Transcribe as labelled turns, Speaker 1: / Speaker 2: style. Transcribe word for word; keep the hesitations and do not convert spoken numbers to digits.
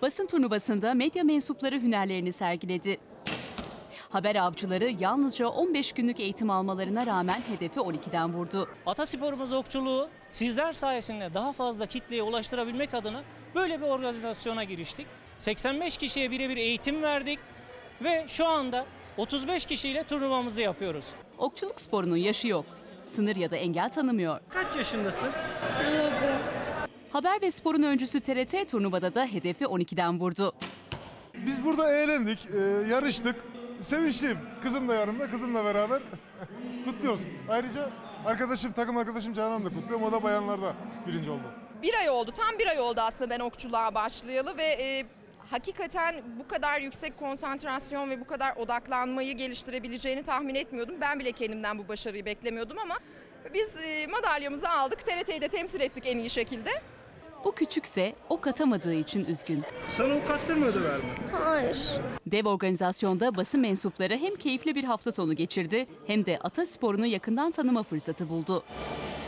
Speaker 1: Basın turnuvasında medya mensupları hünerlerini sergiledi. Haber avcıları yalnızca on beş günlük eğitim almalarına rağmen hedefi on ikiden vurdu.
Speaker 2: Atasporumuz okçuluğu sizler sayesinde daha fazla kitleye ulaştırabilmek adına böyle bir organizasyona giriştik. seksen beş kişiye birebir eğitim verdik ve şu anda otuz beş kişiyle turnuvamızı yapıyoruz.
Speaker 1: Okçuluk sporunun yaşı yok. Sınır ya da engel tanımıyor.
Speaker 2: Kaç yaşındasın?
Speaker 1: Haber ve sporun öncüsü T R T turnuvada da hedefi on ikiden vurdu.
Speaker 3: Biz burada eğlendik, e, yarıştık. Sevinçliyim. Kızım da yanımda, kızımla beraber kutluyoruz. Ayrıca arkadaşım, takım arkadaşım Canan da kutluyorum. O da bayanlarda birinci oldu.
Speaker 4: Bir ay oldu, tam bir ay oldu aslında ben okçuluğa başlayalı ve e, hakikaten bu kadar yüksek konsantrasyon ve bu kadar odaklanmayı geliştirebileceğini tahmin etmiyordum. Ben bile kendimden bu başarıyı beklemiyordum ama biz e, madalyamızı aldık. T R T'yi de temsil ettik en iyi şekilde.
Speaker 1: Bu küçükse ok atamadığı için üzgün.
Speaker 2: Sana ok attırmıyordu verme.
Speaker 5: Hayır.
Speaker 1: Dev organizasyonda basın mensupları hem keyifli bir hafta sonu geçirdi hem de ata sporunu yakından tanıma fırsatı buldu.